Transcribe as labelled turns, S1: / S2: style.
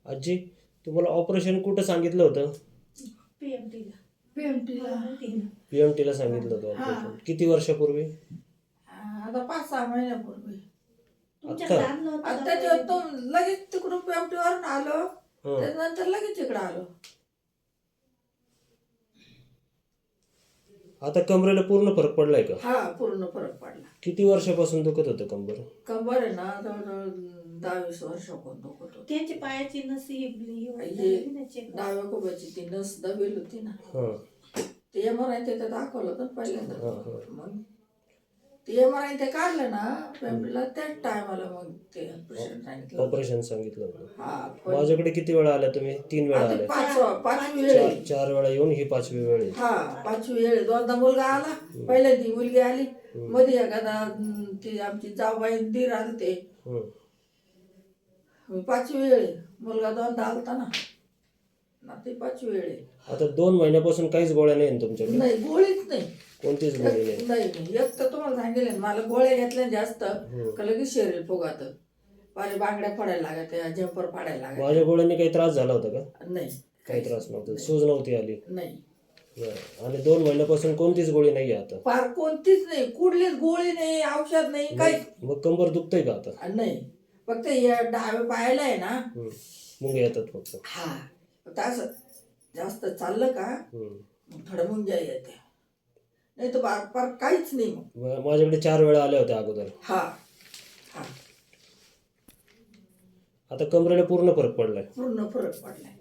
S1: आजी, तुम्हाला ऑपरेशन कुठं सांगितलं होतं? पीएमटीला सांगितलं होतं ऑपरेशन. किती वर्षापूर्वी?
S2: आता 5-6 महिन्यापूर्वी.
S1: आता
S2: आता तो लगेच तिकडून PMT वरून आलो, त्यानंतर लगेच इकडे आलो.
S1: आता कमरेला पूर्ण फरक पडलाय का?
S2: हा, पूर्ण फरक पडला.
S1: किती वर्षापासून दुखत होतं कंबर?
S2: कंबर आहे ना, जवळजवळ 10-20 वर्षापासून दुखत होतं.
S3: त्यांची पायाची नस
S2: डाव्या कोब्याची ती नस दबेल होती ना,
S1: हां
S2: ते MRI ते दाखवलं होतं पहिल्यांदा.
S1: हां.
S2: मग ते MRI ते काढलं ना PMTला, त्याच टायमाला मग ते ऑपरेशन सांगितलं.
S1: ऑपरेशन सांगितलं होतं.
S2: हा,
S1: माझ्याकडे किती वेळा आल्या तुम्ही? 3 वेळा आल्या.
S2: पाचवी वेळ आहे.
S1: 4 वेळा येऊन ही 5वी वेळ आहे.
S2: हा, 5वी वेळ आहे. दोनदा मुलगा आला, पहिल्यांदी मुलगी आली, मध्ये एखादा ती आमची जाऊबाई दीर आले ते. 5वी वेळ आहे. मुलगा दोनदा आलता ना, ती 5वी वेळ आहे.
S1: आता 2 महिन्यापासून काहीच गोळ्या नाही ना तुमच्याकडे?
S2: नाही, गोळीच नाही.
S1: कोणतीच गोळी नाही?
S2: नाही. एक तर तुम्हाला सांगितलं मला गोळ्या घेतल्या जास्त का लगेच शरीर फुगात, माझ्या बांगड्या फाडायला लागत, जंपर फाडायला लागत.
S1: माझ्या गोळ्यांनी काही त्रास झाला होता का?
S2: नाही,
S1: काही त्रास नव्हता, सूज नव्हती आली?
S2: नाही.
S1: आणि 2 महिन्यापासून कोणतीच गोळी नाही आता?
S2: फार कोणतीच नाही, कुठलीच गोळी नाही, औषध नाही, काही.
S1: मग कंबर दुखतंय का आता?
S2: नाही, फक्त या डाव्या पायाला आहे ना
S1: मुंग्या येतात फक्त.
S2: हा, फक्त असं जास्त चाललं का थोडं मुंग्या येते, नाही तर फार काहीच नाही. मग
S1: माझ्याकडे 4 वेळा आल्या होत्या अगोदर.
S2: हा हा,
S1: आता कमरेला पूर्ण फरक पडलाय.
S2: पूर्ण फरक पडलाय.